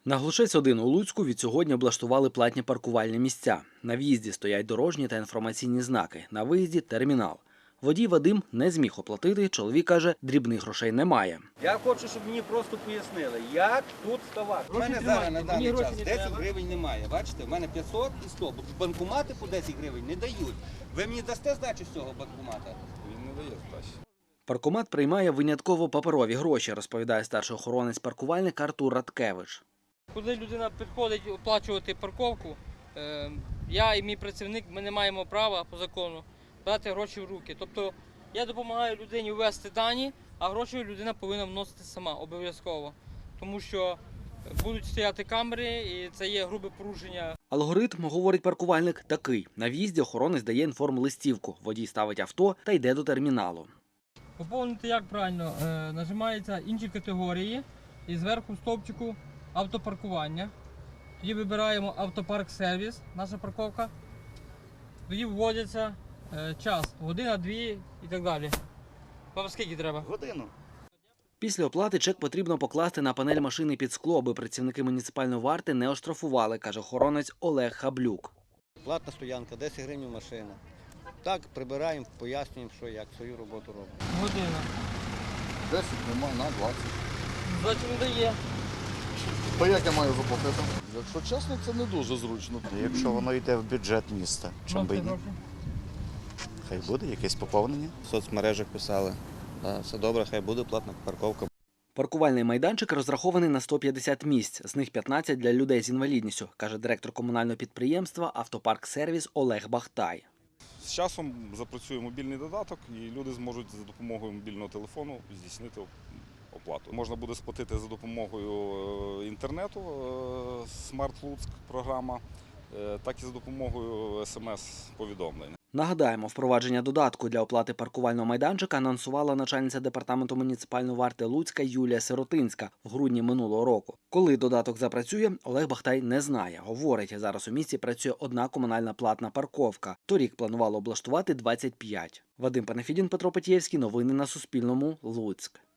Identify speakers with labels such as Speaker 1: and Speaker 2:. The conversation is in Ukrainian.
Speaker 1: На Глушець-1 у Луцьку відсьогодні облаштували платні паркувальні місця. На в'їзді стоять дорожні та інформаційні знаки, на виїзді – термінал. Водій Вадим не зміг оплатити, чоловік каже, дрібних грошей немає.
Speaker 2: Я хочу, щоб мені просто пояснили, як тут ставати. У мене зараз на даний час 10 гривень немає. Бачите, в мене 500 і 100. Банкомати по 10 гривень не дають. Ви мені дасте здачу з цього банкомата?
Speaker 3: Він не дає здачі.
Speaker 1: Паркомат приймає винятково паперові гроші, розповідає старший охоронець-паркувальник Артур Радкевич.
Speaker 4: Коли людина підходить оплачувати парковку, я і мій працівник, ми не маємо права по закону брати гроші в руки. Тобто я допомагаю людині ввести дані, а гроші людина повинна вносити сама, обов'язково. Тому що будуть стояти камери і це є грубе порушення.
Speaker 1: Алгоритм, говорить паркувальник, такий. На в'їзді охоронець дає інформлистівку. Водій ставить авто та йде до терміналу.
Speaker 4: Поповнити як правильно? Нажимаються інші категорії і зверху в стовпчику автопаркування. Тоді вибираємо автопарк-сервіс, наша парковка. Тоді вводиться час, година, дві і так далі. Вам скільки треба?
Speaker 3: Годину.
Speaker 1: Після оплати чек потрібно покласти на панель машини під скло, аби працівники муніципальної варти не оштрафували, каже охоронець Олег Хаблюк.
Speaker 5: Платна стоянка, 10 гривень машина. Так, прибираємо, пояснюємо, що як, свою роботу робимо.
Speaker 4: Година.
Speaker 3: 10 нема, на 20.
Speaker 4: 20 не дає.
Speaker 3: То як я маю заплатити? Якщо чесно, це не дуже зручно.
Speaker 6: Якщо воно йде в бюджет міста, чому би і ні?
Speaker 4: Гроші.
Speaker 6: Хай буде якесь поповнення.
Speaker 5: В соцмережах писали, все добре, хай буде платна парковка.
Speaker 1: Паркувальний майданчик розрахований на 150 місць, з них 15 для людей з інвалідністю, каже директор комунального підприємства «Автопарк-сервіс» Олег Бахтай.
Speaker 7: З часом запрацює мобільний додаток і люди зможуть за допомогою мобільного телефону здійснити оплату. Можна буде сплатити за допомогою інтернету, Smart Луцьк програма, так і за допомогою смс-повідомлень.
Speaker 1: Нагадаємо, впровадження додатку для оплати паркувального майданчика анонсувала начальниця департаменту муніципальної варти Луцька Юлія Сиротинська в грудні минулого року. Коли додаток запрацює, Олег Бахтай не знає. Говорить, зараз у місті працює одна комунальна платна парковка. Торік планувало облаштувати 25. Вадим Панафідін, Петро Петєвський. Новини на Суспільному. Луцьк.